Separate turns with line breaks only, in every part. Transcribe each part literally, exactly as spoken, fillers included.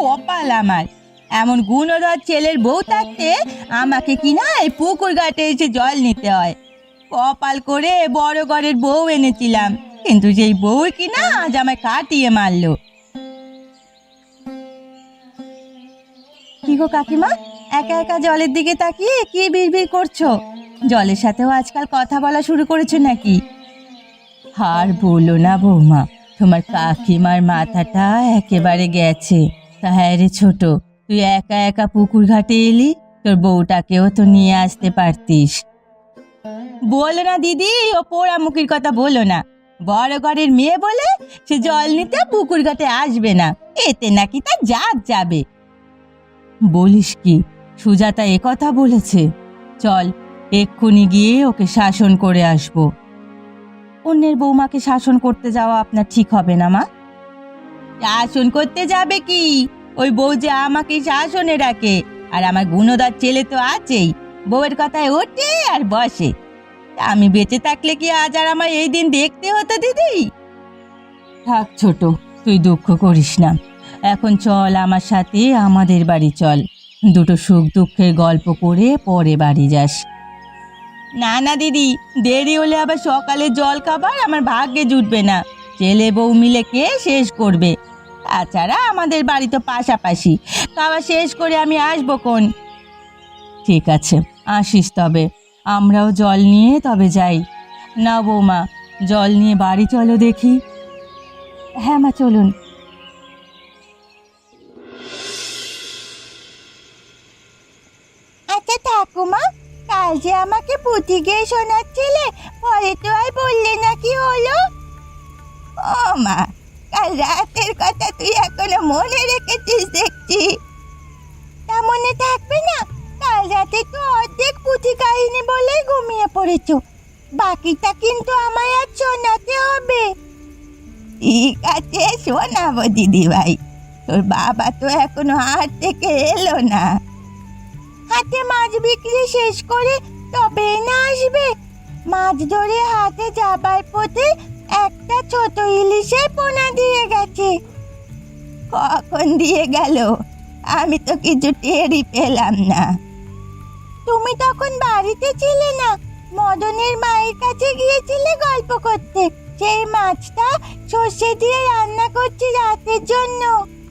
কপাল আমার, এমন গুণধর ছেলের বউ থাকতে আমাকে কিনা এই পুকুর ঘাটে এসে জল নিতে হয়। কপাল করে বড় ঘরের বউ এনেছিলাম, কিন্তু সেই বউ কিনা আজ আমায় কাটিয়ে মারলো। কি গো কাকিমা, একা একা জলের দিকে তাকিয়ে কি বিড়বিড় করছো? জলের সাথেও আজকাল কথা বলা শুরু করেছো নাকি? আর বলো না বৌমা, তোমার কাকিমার মাথাটা একেবারে গেছে। তা হ্যাঁ রে ছোট, তুই একা একা পুকুর ঘাটে এলি, তোর বউটাকেও তো নিয়ে আসতে পারতিস। বলো না দিদি, ও পোড়ামুখির কথা বলো না। বড় ঘরের মেয়ে বলে সে জল নিতে পুকুর ঘাটে আসবে না, এতে নাকি তার জাত যাবে। বলিস কি, সুজাতা এ কথা বলেছে? চল এক্ষুনি গিয়ে ওকে শাসন করে আসবো। অন্যের বৌমাকে শাসন করতে যাওয়া আপনার ঠিক হবে না মা। শাসন করতে যাবে কি, ওই বউ যে আমাকে শাসনে রাখে, আর আমার গুণদার ছেলে তো আছেই, বউয়ের কথায় ওঠে আর বসে। আমি বেঁচে থাকলে কি আজ আর আমার এই দিন দেখতে হতো দিদি? থাক ছোট, তুই দুঃখ করিস না। এখন চল আমার সাথে আমাদের বাড়ি চল, দুটো সুখ দুঃখের গল্প করে পরে বাড়ি যাস। না না দিদি, দেরি হলে আবার সকালে জল খাবার আমার ভাগ্যে জুটবে না। ছেলে বউ মিলে কে শেষ করবে? তাছাড়া আমাদের বাড়ি তো পাশাপাশি, খাওয়া শেষ করে আমি আসবো কোন। ঠিক আছে, আসিস তবে। আমরাও জল নিয়ে তবে যাই। না বৌমা, জল নিয়ে বাড়ি চলো দেখি। হ্যাঁ মা, চলুন। আচ্ছা ঠাকুমা, কাল যে আমাকে পুঁথি গেয়ে শোনাচ্ছিলে, পরে তো আর বললে না কি হলো? ও মা, কাল রাতের কথা তুই এখনো মনে রেখেছিস দেখছি। তা মনে থাকবে না? কাল রাতে তো অর্ধেক পুঁথি কাহিনী বলে ঘুমিয়ে পড়েছো, বাকিটা কিন্তু আমায় আজ শোনাতে হবে। ঠিক আছে, শোনাবো দিদি ভাই। তোর বাবা তো এখনো হাট থেকে এলো না। হাটে মাছ বিক্রি শেষ করে তবে না আসবে। মাছ ধরে হাটে যাবার পথে একটা ছোট ইলিশের পোনা দিয়ে গেছে। কখন দিয়ে গেল? আমি তো কিছু টেরই পেলাম না। তুমি তখন বাড়িতে ছিলে না, মদনের মায়ের কাছে গিয়েছিলে গল্প করতে। সেই মাছটা সর্ষে দিয়ে রান্না করছি রাতের জন্য।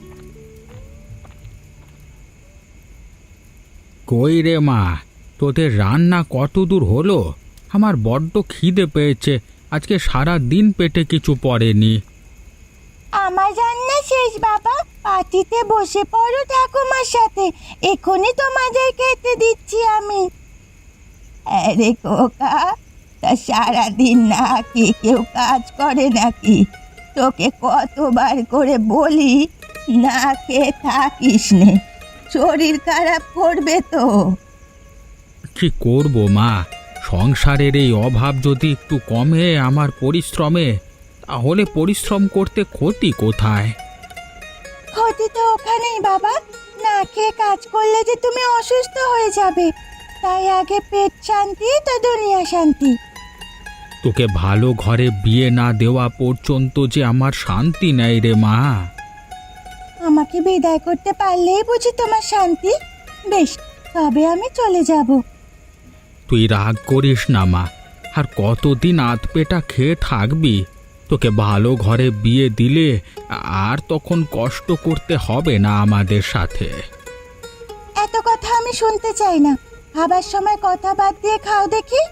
কই রে মা, তোদের রান্না কত দূর হলো? আমার বড্ড খিদে পেয়েছে, আজকে সারা দিন পেটে কিছু পড়েনি।
আমার রান্না শেষ বাবা, পাটিতে বসে পড়ো ঠাকুমার সাথে, এখনই তোমাদের খেতে দিচ্ছি আমি। আরে খোকা, তা সারাদিন না কি কেউ কাজ করে নাকি? তোকে কতবার করে বলি না খেয়ে থাকিস নে, শরীর খারাপ করবে তো।
কি করব মা, সংসারের এই অভাব যদি একটু কমে আমার পরিশ্রমে, তাহলে পরিশ্রম করতে ক্ষতি কোথায়?
ক্ষতি তো ওখানেই বাবা, না খেয়ে কাজ করলে যে তুমি অসুস্থ হয়ে যাবে। তাই আগে পেট শান্তি তো দুনিয়া শান্তি।
তোকে ভালো ঘরে বিয়ে না দেওয়া পর্যন্ত যে আমার শান্তি নেই রে মা।
আমাকে বিদায় করতে পারলেই বুঝি তোমার শান্তি? বেশ, তবে আমি চলে যাব।
তুই রাগ করিস না মা, আর কতদিন আধ পেটা খেয়ে থাকবি? তোকে ভালো ঘরে বিয়ে দিলে আর তখন কষ্ট করতে হবে না আমাদের সাথে।
এত কথা আমি শুনতে চাই না, খাবার সময় কথা বাদ দিয়ে খাও দেখি।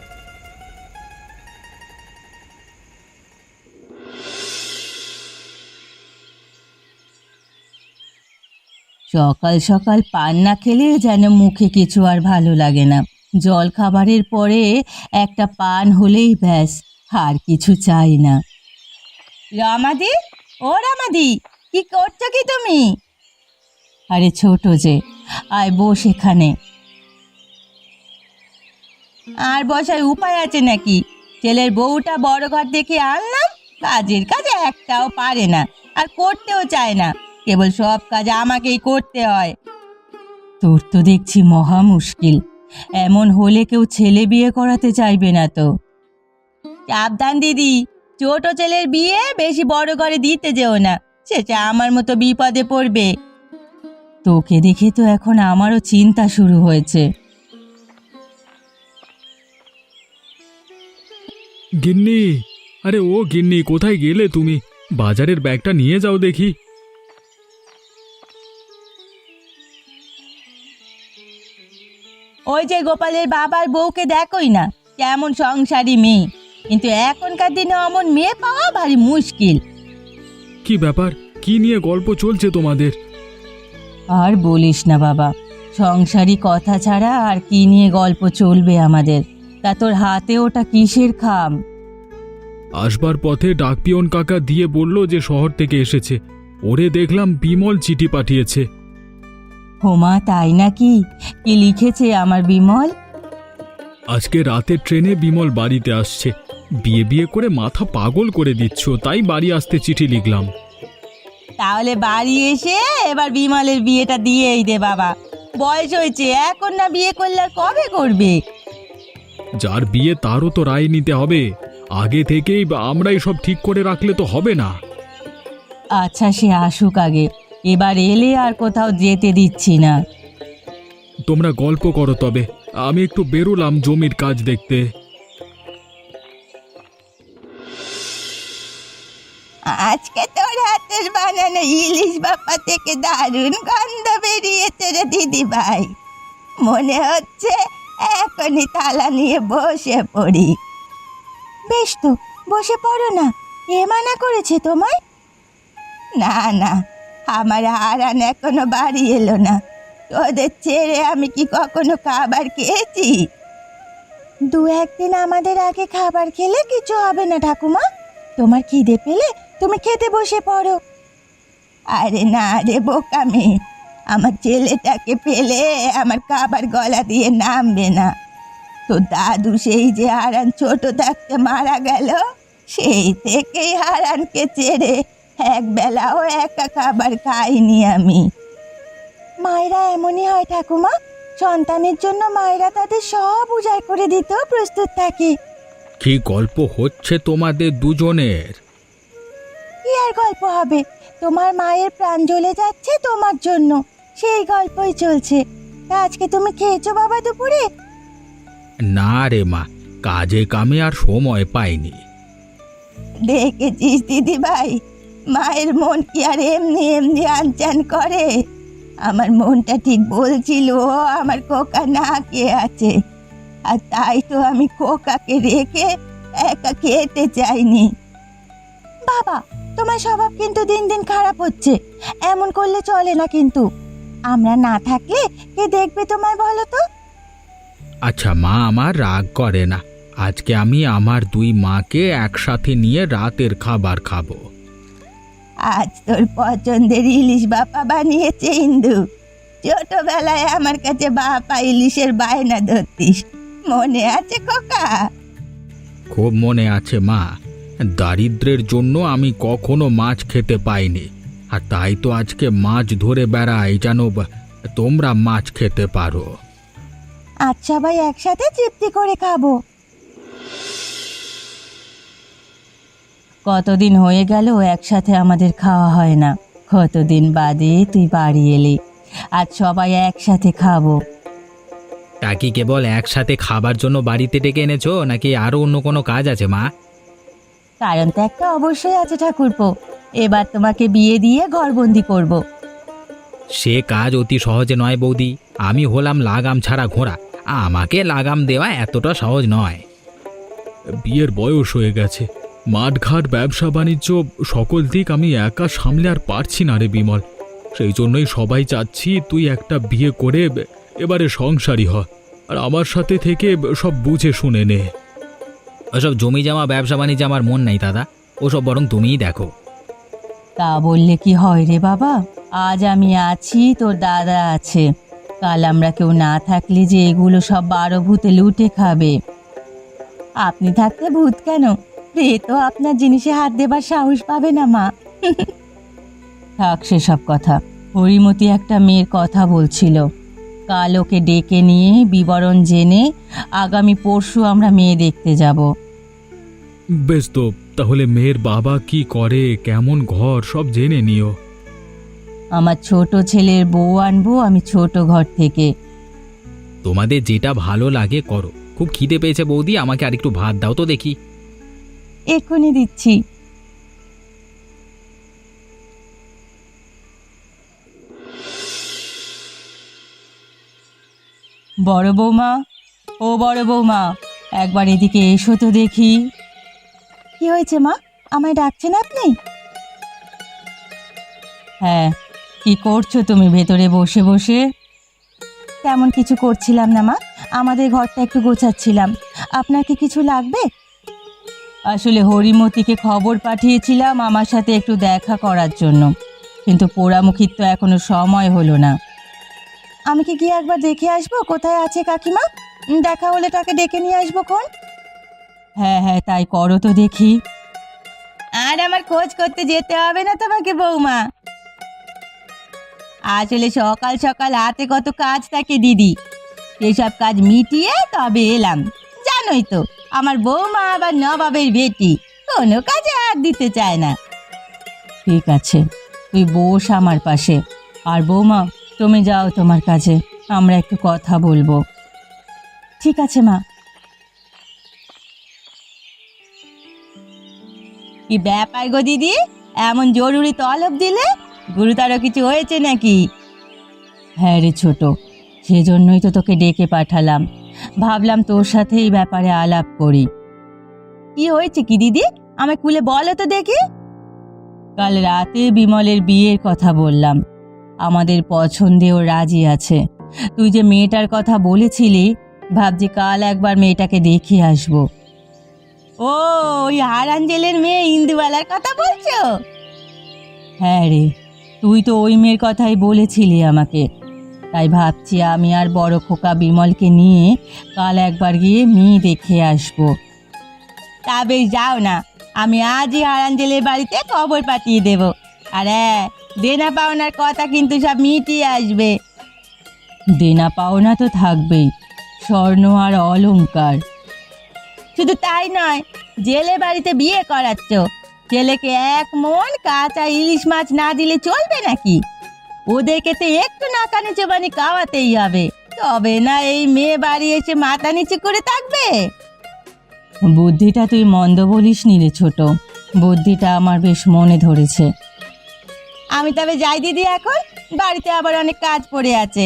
সকাল সকাল পান না খেলে যেন মুখে কিছু আর ভালো লাগে না। জল খাবারের পরে একটা পান হলেই ব্যাস, আর কিছু চাই না। রামাদি, ও রামাদি, কি করছো কি তুমি? আরে ছোট যে, আয় বস এখানে। আর বসার উপায় আছে নাকি? ছেলের বউটা বড় ঘর দেখে আনলাম, কাজের কাজে একটাও পারে না, আর করতেও চায় না, কেবল সব কাজ আমাকেই করতে হয়। তোর তো দেখছি মহা মুশকিল, এমন হলে কেউ ছেলে বিয়ে করাতে চাইবে না তো। সাবধান দিদি, ছোট ছেলের বিয়ে বেশি বড় ঘরে দিতে যেও না, সেটা আমার মতো বিপদে পড়বে। তোকে দেখে তো এখন আমারও চিন্তা শুরু হয়েছে।
গিন্নি, আরে ও গিন্নি, কোথায় গেলে তুমি? বাজারের ব্যাগটা নিয়ে যাও দেখি।
ওই যে গোপালের বাবার বউকে দেখোই না, কেমন সংসারী মেয়ে, কিন্তু এখনকার দিনে অমন মেয়ে পাওয়া ভারী মুশকিল।
কি ব্যাপার, কি নিয়ে গল্প চলছে তোমাদের?
আর বলিস না বাবা, সংসারী কথা ছাড়া আর কি নিয়ে গল্প চলবে আমাদের। তা তোর হাতে ওটা কিসের খাম?
আসবার পথে ডাকপিয়ন কাকা দিয়ে বলল যে শহর থেকে এসেছে। ওরে দেখলাম বিমল চিঠি পাঠিয়েছে।
হোমা, তাই নাকি? কি লিখেছে আমার বিমল?
আজকে রাতের ট্রেনে বিমল বাড়িতে আসছে। বিয়ে বিয়ে করে মাথা পাগল করে দিচ্ছ, তাই বাড়ি আসতে চিঠি লিখলাম।
তাহলে বাড়ি এসে এবার বিমলের বিয়েটা দিয়েই দে বাবা। বয়স হয়েছে, এখন না বিয়ে করলে আর কবে করবে?
যার বিয়ে তারও তো রায় নিতে হবে। আগে থেকেই আমরাই সব ঠিক করে রাখলে তো হবে না।
আচ্ছা, সে আসুক আগে, এবার এলে আর কোথাও যেতে দিচ্ছি না।
তোমরা গল্প করো, তবে আমি একটু বেরোলাম জমির কাজ দেখতে।
আজকে তোর হাতের বানানো ইলিশ বাপ্পা থেকে দারুণ গন্ধ বেরিয়েছে রে দিদি ভাই। মনে হচ্ছে এখনই থালা নিয়ে বসে পড়ি। বেশ তো, বসে পড়ো না। কে মানা করেছে তোমায়? না না, আমার হারান এখনো বাড়ি এলো না। তোদের ছেড়ে আমি কি কখনো খাবার খেয়েছি? দু একদিন আমাদের আগে খাবার খেলে কিছু হবে না ঠাকুমা। তোমার খিদে পেলে তুমি খেতে বসে পড়ো। আরে না রে বোকা মেয়ে, আমার ছেলেটাকে পেলে আমার খাবার গলা দিয়ে নামবে না। তো দাদু সেই যে হারান ছোট থাকতে মারা গেল, সেই থেকেই হারানকে ছেড়ে এক বেলাও একা খাবার খাইনি আমি। মায়েরা এমনই হয় ঠাকুমা, সন্তানের জন্য মায়েরা তাদের সব উজাড় করে দিতেও প্রস্তুত থাকে।
কি গল্প হচ্ছে তোমাদের দুজনের?
কি আর গল্প হবে, তোমার মায়ের প্রাণ জ্বলে যাচ্ছে তোমার জন্য, সেই গল্পই চলছে। তা আজকে তুমি খেয়েছো বাবা দুপুরে?
না রে মা, কাজে কামে আর সময় পাইনি।
দেখেছিস দিদি ভাই, মায়ের মন কি আর এমনি এমনি আনচান করে? আমার মনটা ঠিক বলছিল ও আমার খোকা না খেয়ে আছে, আর তাই তো আমি খোকাকে রেখে একা খেতে চাইনি। বাবা, তোমার স্বভাব কিন্তু দিন দিন খারাপ হচ্ছে। এমন করলে চলে না কিন্তু। আমরা না থাকলে কে দেখবে তোমায় বলো তো?
আচ্ছা মা, আমার রাগ করে না। আজকে আমি আমার দুই মাকে একসাথে নিয়ে রাতের খাবার খাবো।
আজ তোর পছন্দের ইলিশ বাপা বানিয়েছে ইন্দু। ছোটবেলায় আমার কাছে বাপা ইলিশের বায়না ধরতিস, মনে আছে খোকা?
খুব মনে আছে মা। দারিদ্র্যের জন্য আমি কখনো মাছ খেতে পাইনি, আর তাই তো আজকে মাছ ধরে বেড়াই যেন তোমরা মাছ খেতে পারো।
আচ্ছা ভাই, একসাথে তৃপ্তি করে খাবো। কতদিন হয়ে গেল একসাথে আমাদের খাওয়া হয় না। কতদিন বাদে তুই বাড়ি এলি, আজ সবাই একসাথে খাবো।
তা কি কেবল একসাথে খাবার জন্য বাড়িতে ডেকে এনেছো, নাকি আরো অন্য কোনো কাজ আছে মা?
কারণ তো একটা অবশ্যই আছে ঠাকুরপো, এবার তোমাকে বিয়ে দিয়ে ঘরবন্দি করব।
সে কাজ অতি সহজে নয় বৌদি। আমি হলাম লাগাম ছাড়া ঘোড়া, আমাকে লাগাম দেওয়া এতটা সহজ নয়। বিয়ের বয়স হয়ে গেছে, মাঠঘাট ব্যবসা বাণিজ্য সকল দিক আমি একা সামলে আর পারছি না রে বিমল। সেই জন্যই সবাই চাচ্ছি তুই একটা বিয়ে করে এবারে সংসারী হ, আর আমার সাথে থেকে সব বুঝে শুনে নে। ওসব জমি জমা ব্যবসা বাণিজ্য আমার মন নাই দাদা, ওসব বরং তুমিই দেখো।
তা বললে কি হয় রে বাবা? আজ আমি আছি, তোর দাদা আছে, কাল আমরা কেউ না থাকলে যে এগুলো সব বারো ভূতে লুটে খাবে। আপনি থাকতে ভূত কেন, এ তো আপনার জিনিসে হাত দেবার সাহস পাবে না মা। থাক সেসব কথা। হরিমতি একটা মেয়ের কথা বলছিল, কাল ওকে ডেকে নিয়ে বিবরণ জেনে আগামী পরশু আমরা মেয়ে দেখতে যাব।
বেশ তো, তাহলে মেয়ের বাবা কি করে, কেমন ঘর, সব জেনে নিও।
আমার ছোট ছেলের বউ আনবো আমি ছোট ঘর থেকে।
তোমাদের যেটা ভালো লাগে করো। খুব খিদে পেয়েছে বৌদি, আমাকে আর একটু ভাত দাও তো দেখি।
এক্ষুনি দিচ্ছি। বড় বৌমা, ও বড় বৌমা, একবার এদিকে এসো তো দেখি। কি হয়েছে মা, আমায় ডাকছেন আপনি? হ্যাঁ, কি করছো তুমি ভেতরে বসে বসে? তেমন কিছু করছিলাম না মা, আমাদের ঘরটা একটু গোছাচ্ছিলাম। আপনার কি কিছু লাগবে? আসলে হরিমতিকে খবর পাঠিয়েছিলাম আমার সাথে একটু দেখা করার জন্য, কিন্তু পোড়ামুখির তো এখনো সময় হলো না। আমি কি গিয়ে একবার দেখে আসবো কোথায় আছে কাকিমা? উম, দেখা হলে তাকে ডেকে নিয়ে আসবো খন। হ্যাঁ হ্যাঁ, তাই করো তো দেখি। আর আমার খোঁজ করতে যেতে হবে না তোমাকে বৌমা। আসলে সকাল সকাল হাতে কত কাজ থাকে দিদি, এসব কাজ মিটিয়ে তবে এলাম। জানোই তো আমার বৌমা আবার নবাবের বেটি, কোনো কাজে হাত দিতে চায় না। ঠিক আছে, তুই বস আমার পাশে। আর বৌমা, তুমি যাও তোমার কাজে, আমরা একটু কথা বলবো। ঠিক আছে মা। কি ব্যাপার গো দিদি, এমন জরুরি তলব দিলে? গুরুতর কিছু হয়েছে নাকি? হ্যাঁ রে ছোট, সেজন্যই তো তোকে ডেকে পাঠালাম। ভাবলাম তোর সাথে এই ব্যাপারে আলাপ করি। কি হয়েছে কি দিদি, আমায় খুলে বলো তো দেখি। কাল রাতে বিমলের বিয়ের কথা বললাম, আমাদের পছন্দেও রাজি আছে। তুই যে মেয়েটার কথা বলেছিলি, ভাবছি কাল একবার মেয়েটাকে দেখে আসবো। ও, ওই হারাঞ্জেলের মেয়ে ইন্দুবালার কথা বলছো? হ্যাঁ রে, তুই তো ওই মেয়ের কথাই বলেছিলি আমাকে। তাই ভাবছি আমি আর বড় খোকা বিমলকে নিয়ে কাল একবার গিয়ে মেয়ে দেখে আসবো। তা বেশ, যাও না, আমি আজই হারাঞ্জেলের বাড়িতে খবর পাঠিয়ে দেব। আর হ্যাঁ, দেনা পাওনার কথা কিন্তু সব মিটিয়ে আসবে। দেনা পাওনা তো থাকবেই, স্বর্ণ আর অলংকার। শুধু তাই নয়, জেলে বাড়িতে বিয়ে করাচ্ছ, ছেলেকে এক মন কাঁচা ইলিশ মাছ না দিলে চলবে নাকি? ওদেরকে তো একটু নাকানি চোবানি খাওয়াতেই হবে, তবে না এই মেয়ে বাড়ি এসে মাথা নিচু করে থাকবে। বুদ্ধিটা তুই মন্দ বলিস নি রে ছোট, বুদ্ধিটা আমার বেশ মনে ধরেছে। আমি তবে যাই দিদি, এখন বাড়িতে আবার অনেক কাজ পড়ে আছে।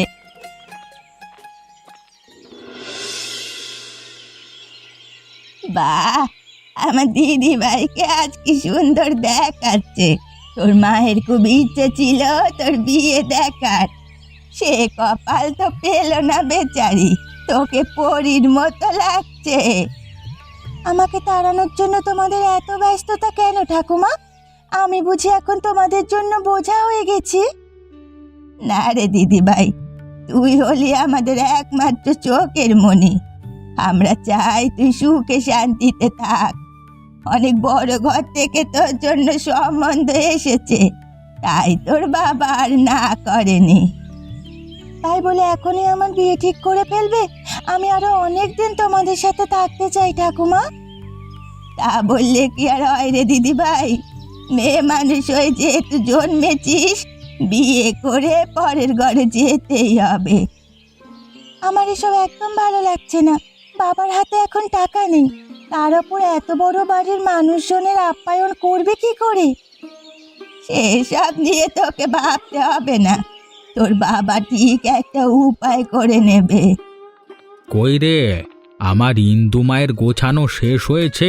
বাহ, আমার দিদি ভাইকে আজ কি সুন্দর দেখাচ্ছে। তোর মায়ের খুব ইচ্ছে ছিল তোর বিয়ে দেখার, সে কপাল তো পেল না বেচারি। তোকে পরীর মতো লাগছে। আমাকে তাড়ানোর জন্য তোমাদের এত ব্যস্ততা কেন ঠাকুমা? আমি বুঝি এখন তোমাদের জন্য বোঝা হয়ে গেছি? না রে দিদি ভাই, তুই হলি আমাদের একমাত্র চোখের মনি। আমরা চাই তুই সুখে শান্তিতে থাক। অনেক বড় ঘর থেকে তোর জন্য সম্বন্ধ এসেছে, তাই তোর বাবা আর না করেনি। তাই বলে এখনই আমার বিয়ে ঠিক করে ফেলবে? আমি আরো অনেক দিন তোমাদের সাথে থাকতে চাই ঠাকুমা। তা বললে কি আর হয় রে দিদি ভাই? মেয়ে মানুষ হয়ে যেহেতু জন্মেছিস, বিয়ে করে পরের ঘরে যেতেই হবে। আমার এসব একদম ভালো লাগছে না। বাবার হাতে এখন টাকা নেই, তার উপর এত বড় বাড়ির মানুষজনের আপ্যায়ন করবে কি করে? সেসব নিয়ে তোকে ভাবতে হবে না, তোর বাবা ঠিক একটা উপায় করে নেবে।
কই রে, আমার ইন্দু মায়ের গোছানো শেষ হয়েছে?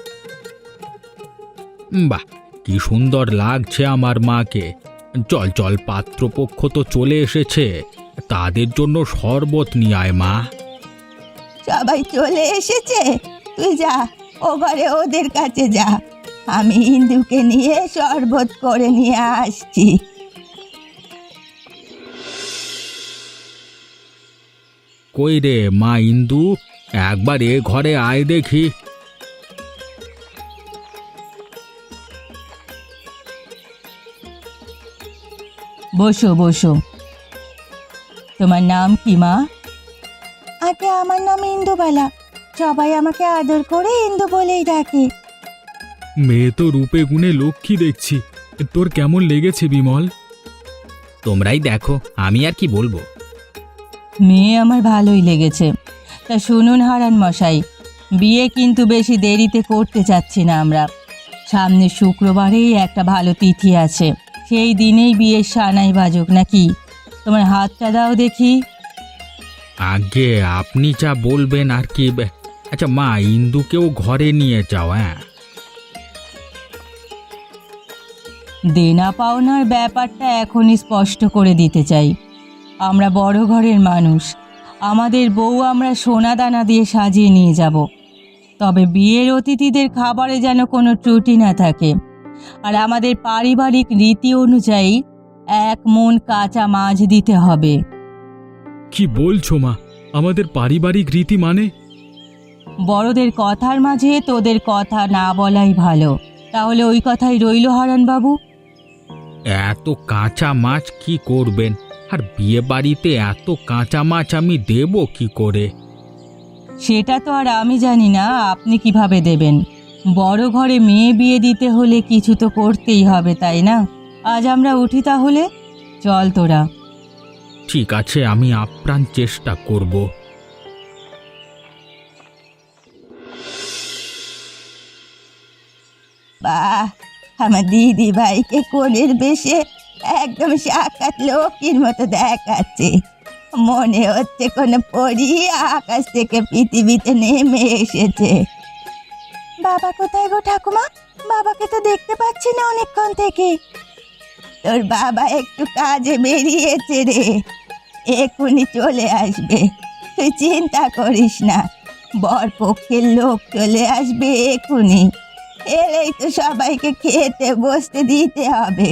বাহ, কি সুন্দর লাগছে আমার মাকে। চল চল, পাত্রপক্ষ তো চলে এসেছে, তাদের জন্য শরবত নিয়ে আয় মা।
সবাই চলে এসেছে, তুই যা ও ঘরে ওদের কাছে যা, আমি ইন্দুকে নিয়ে শরবত করে নিয়ে আসছি।
কই রে মা ইন্দু, একবার এ ঘরে আয় দেখি।
বসো বসো। তোমার নাম কি মা? আগে আমার নাম ইন্দুবালা, সবাই আমাকে আদর করে ইন্দু বলেই ডাকে।
মেয়ে তো রূপে গুণে লক্ষ্মী দেখছি, তোর কেমন লেগেছে বিমল? তোমরাই দেখো, আমি আর কি বলবো।
মেয়ে আমার ভালোই লেগেছে। তা শুনুন হারান মশাই, বিয়ে কিন্তু বেশি দেরিতে করতে চাচ্ছি না আমরা। সামনে শুক্রবারেই একটা ভালো তিথি আছে, সেই দিনেই বিয়ের সানাই বাজুক নাকি? তোমার হাতটা দাও দেখি।
আগে আপনি যা বলবেন আর কি। আচ্ছা মা, ইন্দুকেও ঘরে নিয়ে যাও। হ্যাঁ,
দেনা পাওনার ব্যাপারটা এখনই স্পষ্ট করে দিতে চাই। আমরা বড় ঘরের মানুষ, আমাদের বউ আমরা সোনা দানা দিয়ে সাজিয়ে নিয়ে যাব। তবে বিয়ের অতিথিদের খাবারে যেন কোনো ত্রুটি না থাকে। আর আমাদের পারিবারিক রীতি অনুযায়ী এক মণ কাঁচা মাছ দিতে হবে।
কি বলছো মা? আমাদের পারিবারিক রীতি মানে?
বড়দের কথার মাঝে তোদের কথা না বলাই ভালো। তাহলে ওই কথাই রইল হারানবাবু।
এত কাঁচা মাছ কি করবেন? আর বিয়ে বাড়িতে এত কাঁচা মাছ আমি দেব কি করে?
সেটা তো আর আমি জানি না আপনি কিভাবে দেবেন। বড় ঘরে মেয়ে বিয়ে দিতে হলে কিছু তো করতেই হবে, তাই না? আজ আমরা উঠি তাহলে, চল তোরা।
ঠিক আছে, আমি আপ্রাণ চেষ্টা করব।
বাহ, আমার দিদি ভাইকে কোলের বেশে একদম সাক্ষাৎ লক্ষ্মীর মতো দেখাচ্ছে। মনে হচ্ছে কোনো পরী আকাশ থেকে পৃথিবীতে নেমে এসেছে। বাবা কোথায় গো ঠাকুমা? বাবাকে তো দেখতে পাচ্ছি না অনেকক্ষণ থেকে। তোর বাবা একটু কাজে বেরিয়েছে রে, এক্ষুনি চলে আসবে, তুই চিন্তা করিস না। বর পক্ষের লোক চলে আসবে এক্ষুনি, এলেই তো সবাইকে খেতে বসতে দিতে হবে।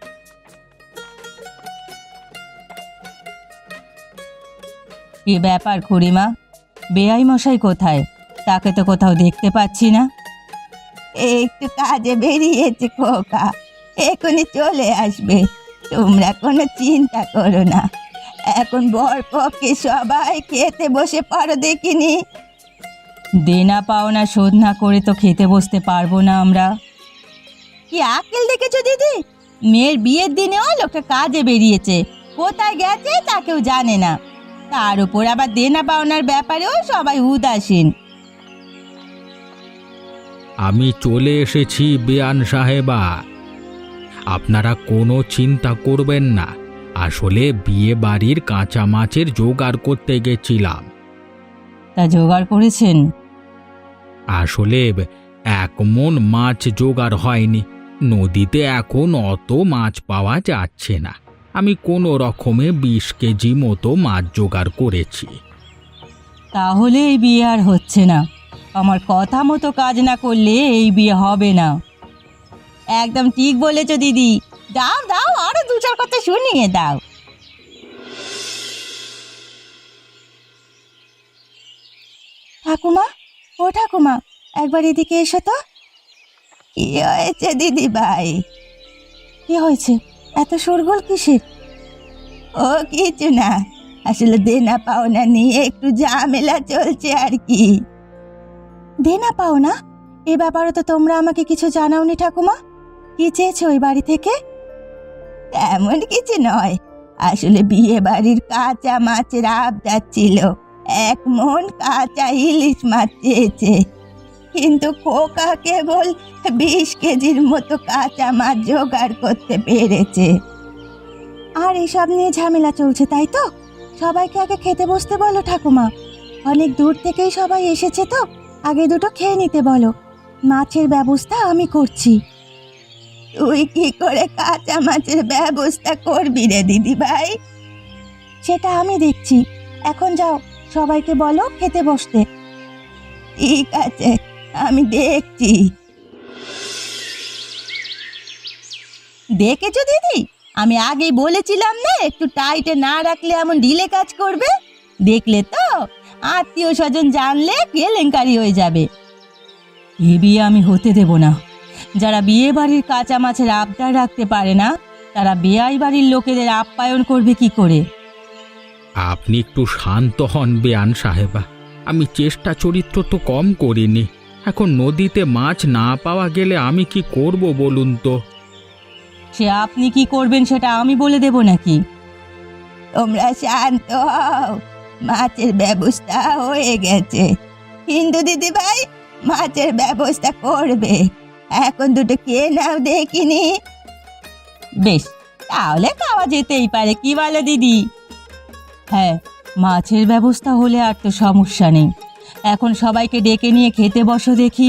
কি ব্যাপার খুড়িমা, বেয়াই মশাই কোথায়? তাকে তো কোথাও দেখতে পাচ্ছি না। একটু কাজে বেরিয়েছে খোকা, এখনই চলে আসবে, তোমরা কোনো চিন্তা করো না। এখন বর পক্ষে সবাই খেতে বসে পড়ো দেখিনি। দেনা পাওনা শোধ না করে তো খেতে বসতে পারবো না আমরা। কি আকেল দেখেছো দিদি? মেয়ের বিয়ের দিনেও লোকটা কাজে বেরিয়েছে, কোথায় গেছে তা কেউ জানে না। তার উপর আবার দেনা পাওনার ব্যাপারেও সবাই উদাসীন।
আমি চলে এসেছি বেয়ান সাহেবা, আপনারা কোনো চিন্তা করবেন না। আসলে বিয়ে বাড়ির কাঁচা মাছের জোগাড় করতে গেছিলাম।
তা জোগাড় করেছেন?
আসলে এক মণ মাছ জোগাড় হয়নি, নদীতে এখন অত মাছ পাওয়া যাচ্ছে না। আমি কোনো রকমে বিশ কেজি মতো মাছ জোগাড় করেছি।
তাহলে এই বিয়ে আর হচ্ছে না। আমার কথা মতো কাজ না করলে এই বিয়ে হবে না। একদম ঠিক বলেছো দিদি, দাও দাও, আরো দু চার কথা শুনিয়ে দাও। ঠাকুমা, ও ঠাকুমা, একবার এদিকে এসো তো। কি হয়েছে দিদি ভাই? কি হয়েছে? এত শোরগোল কিসের? ও কিছু না, আসলে দেনা পাওনা নিয়ে একটু ঝামেলা চলছে আর কি। দেনা পাওনা? এ ব্যাপারে তো তোমরা আমাকে কিছু জানাওনি ঠাকুমা। কি চেয়েছো ওই বাড়ি থেকে? তেমন কিছু নয়, আসলে বিয়ে বাড়ির কাঁচা মাছের আবদার ছিল। এক মণ কাঁচা ইলিশ মাছ চেয়েছে, কিন্তু খোকা কেবল বিশ কেজির মতো কাঁচা মাছ জোগাড় করতে পেরেছে। আর এসব নিয়ে ঝামেলা চলছে, তাই তো? সবাইকে আগে খেতে বসতে বলো ঠাকুমা, অনেক দূর থেকেই সবাই এসেছে তো, আগে দুটো খেয়ে নিতে বলো। মাছের ব্যবস্থা আমি করছি। তুই কি করে কাঁচা মাছের ব্যবস্থা করবি রে দিদি ভাই? সেটা আমি দেখছি, এখন যাও সবাইকে বলো খেতে বসতে। ঠিক আছে, আমি দেখছি। দেখেছো দিদি, আমি আগেই বলেছিলাম না একটু টাইটে না রাখলে এমন ঢিলে কাজ করবে। দেখলে তো, আত্মীয় স্বজন জানলে কেলেঙ্কারি হয়ে যাবে। এ বিয়ে আমি হতে দেব না। যারা বিয়ে বাড়ির কাঁচা মাছের আবদার রাখতে পারে না, তারা বেয়াই বাড়ির লোকেদের আপ্যায়ন করবে কি করে?
আপনি একটু শান্ত হন বেয়ান সাহেবা, আমি চেষ্টা চরিত্র তো কম করিনি। এখন নদীতে মাছ না পাওয়া গেলে আমি কি করব বলুন তো?
সে আপনি কি করবেন সেটা আমি বলে দেব নাকি? তোমরা শান্ত হও, মাছের ব্যবস্থা হয়ে গেছে। হিন্দু দিদি ভাই মাছের ব্যবস্থা করবে, এখন দুটো খেয়ে নাও দেখিনি। বেশ, তাহলে খাওয়া যেতেই পারে, কি বলো দিদি? হ্যাঁ, মাছের ব্যবস্থা হলে আর তো সমস্যা নেই। এখন সবাইকে ডেকে নিয়ে খেতে বসো দেখি।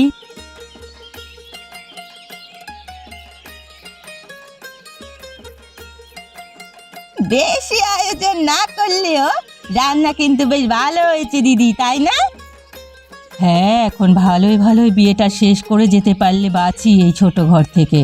বেশি আয়োজন না করলেও রান্না কিন্তু বেশ ভালো হয়েছে দিদি, তাই না? হ্যাঁ, এখন ভালোই ভালোই বিয়েটা শেষ করে যেতে পারলে বাঁচি এই ছোট ঘর থেকে।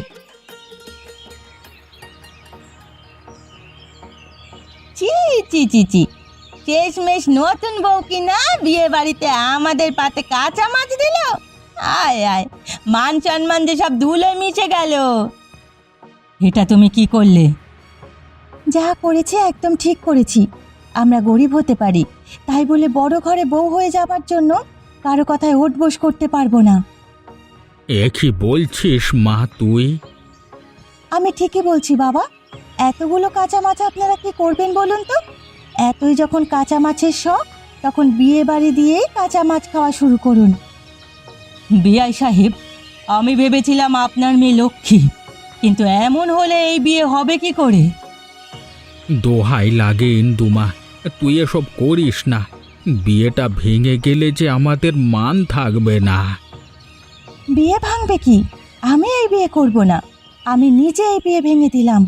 চি চি চি চি, শেষমেশ নতুন বউ কিনা বিয়ে বাড়িতে আমাদের পাতে কাঁচা মাছ দিল। আয় আয়, মান সম্মান যে সব ধুলোয় মিশে গেল। এটা তুমি কি করলে? যা করেছি একদম ঠিক করেছি। আমরা গরিব হতে পারি, তাই বলে বড় ঘরে বউ হয়ে যাবার জন্য কারো কথায় ওঠবোস করতে পারবো না।
এ কি বলছিস মা তুই?
আমি ঠিকই বলছি বাবা। এতগুলো কাঁচা মাছ আপনারা কি করবেন বলুন তো? এতই যখন কাঁচা মাছের শখ, তখন বিয়ে বাড়ি দিয়েই কাঁচা মাছ খাওয়া শুরু করুন। বিআই সাহেব, আমি ভেবেছিলাম আপনার মেয়ে লক্ষ্মী, কিন্তু এমন হলে এই বিয়ে হবে কি করে?
দোহাই লাগে ইন্দুমা, তুই এসব করিস না। বিয়েটা ভেঙে গেলে যে আমাদের মান থাকবে না।
বিয়ে ভাঙবে কি? আমি এই বিয়ে করব না। আমি নিজে এই বিয়ে ভেঙে দিলাম।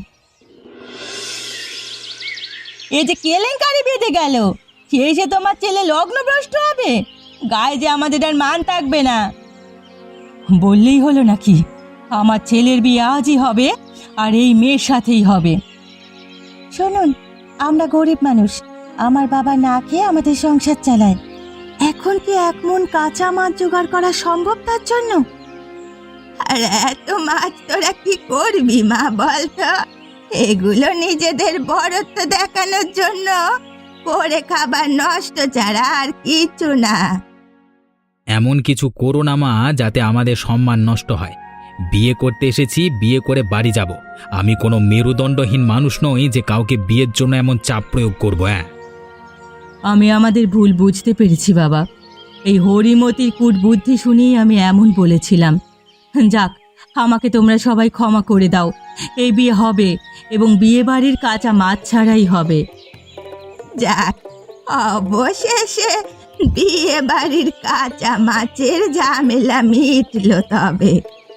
এই যে কেলেঙ্কারি বেঁধে গেল, শেষে তোমার ছেলে লগ্নভ্রষ্ট হবে, গায়ে যে আমাদের আর মান থাকবে না। বললেই হলো নাকি? আমার ছেলের বিয়ে আজই হবে, আর এই মেয়ের সাথেই হবে। শুনুন, আমরা গরিব মানুষ, আমার বাবা না খেয়ে আমাদের সংসার চালায়। এখন কি এক মন কাঁচা মাছ জোগাড় করা সম্ভব তার জন্য? আর এত মাছ তোরা কি করবি মা বলতো? এগুলো নিজেদের বড়ত্ব দেখানোর জন্য করে খাবার নষ্ট ছাড়া আর কিছু না।
এমন কিছু করো না মা যাতে আমাদের সম্মান নষ্ট হয়। বিয়ে করতে এসেছি, বিয়ে করে বাড়ি যাব। আমি কোনো মেরুদণ্ডহীন মানুষ নই যে কাউকে বিয়ের জন্য এমন চাপ প্রয়োগ করব। হ্যাঁ,
আমি আমাদের ভুল বুঝতে পেরেছি বাবা। এই হরিমতির কূট বুদ্ধি শুনেই আমি এমন বলেছিলাম। যাক, আমাকে তোমরা সবাই ক্ষমা করে দাও। এই বিয়ে হবে, এবং বিয়ে বাড়ির কাঁচা মাছ ছাড়াই হবে। যাক, অবশেষে বিয়ে বাড়ির কাঁচা মাছের ঝামেলা মিটলো। তবে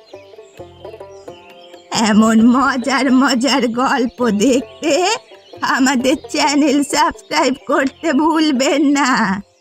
এমন মজার মজার গল্প দেখতে আমাদের চ্যানেল সাবস্ক্রাইব করতে ভুলবেন না।